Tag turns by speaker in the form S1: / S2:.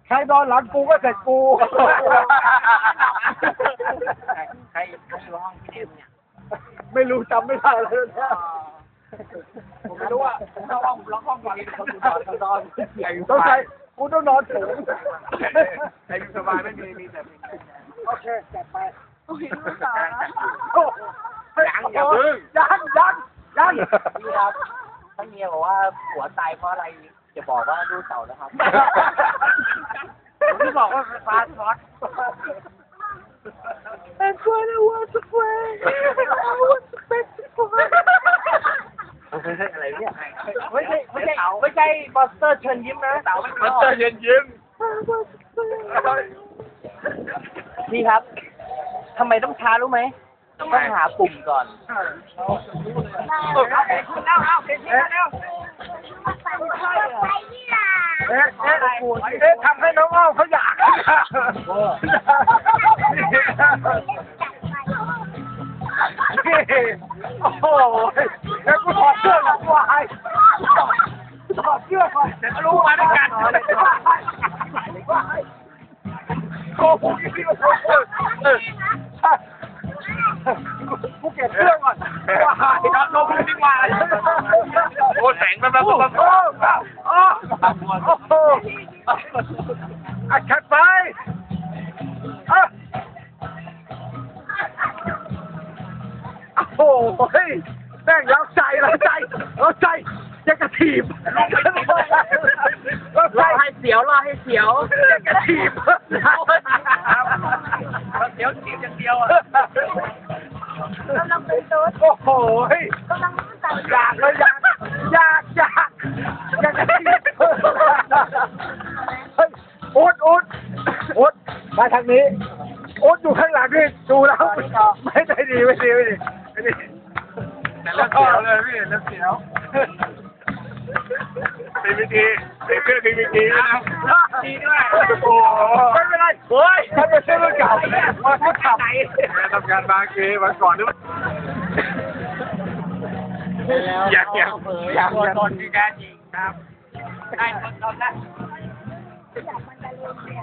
S1: ใครนอนหลังกูก็เสร็จกู
S2: ใครอยู่ห้องพี่เนมเนี่ย
S1: ไม่รู้จำไม่ได้เลยนะ
S2: ผมไม่รู้ว่าผมเข้าห้องล็อกห้องก่อนคนนอน
S1: ต้องใช้กูต้องนอนถึง
S2: ใครอยู่สบายไม่มีแต่
S1: โอเคจัดไป
S3: โอ้ยลูกสาว
S2: ยังอย่าพึ่ง
S1: ยัง
S2: นี่ครับถ้าเมียบอกว่าผัวตายเพราะอะไรจะบอกว่าลูกเต่านะครับผมที่บอกว่าฟาสต์ฟอส
S3: And when I want to play I want to play to play
S2: อะไรเนี่ย
S1: ไม่ใช่มอนสเตอร์เชิญยิ้มนะ
S2: เต่ามันเจอเย็นยิ้ม
S3: I want to play
S2: นี่ครับทำไมต้องช้ารู้ไหมต้องหาปุ่มก่อน
S1: ทำให้น้องอ้อมเขาอยากโอ้โหแล้วกูถอดเสื้อหลังวายถอดเสื้อก่อนจะรู้มาด้วยกันโอ้โหกูเก็บเสื้อก่อนว้ายนอนลงเลยดีกว่าโอ้แสงมันมาโอ้โหอัดขัดไปโอ้โหแม่งแล้วใจจะกระถีบรอให้เสียวจะกระถีบเดี๋ยวถีบอย่างเดียวอ่ะ
S3: กำลังเป็นโต๊ด
S1: โอ้โห
S3: กำลังสั่ง
S1: อยากกระถีบเฮ้ยอุดมาทางนี้อุดอยู่ข้างหลังนี่ดูแล้วไม่ได้ดีแต่แล้วเสียวเลยพี่แล้วเสียวมีวิธีมีเพื่อนมีวิธีนะดีด้วยโอ้ไม่เป็นไรเฮ้ยท่านไม่ใช่รุ่นเก่ามาพูดทำทำงานบางทีมาก่อนด้วยอยาก
S2: ตัวตนที่แท้จริงครับได้ตัวตนนะ
S3: อยากมันจะเล่น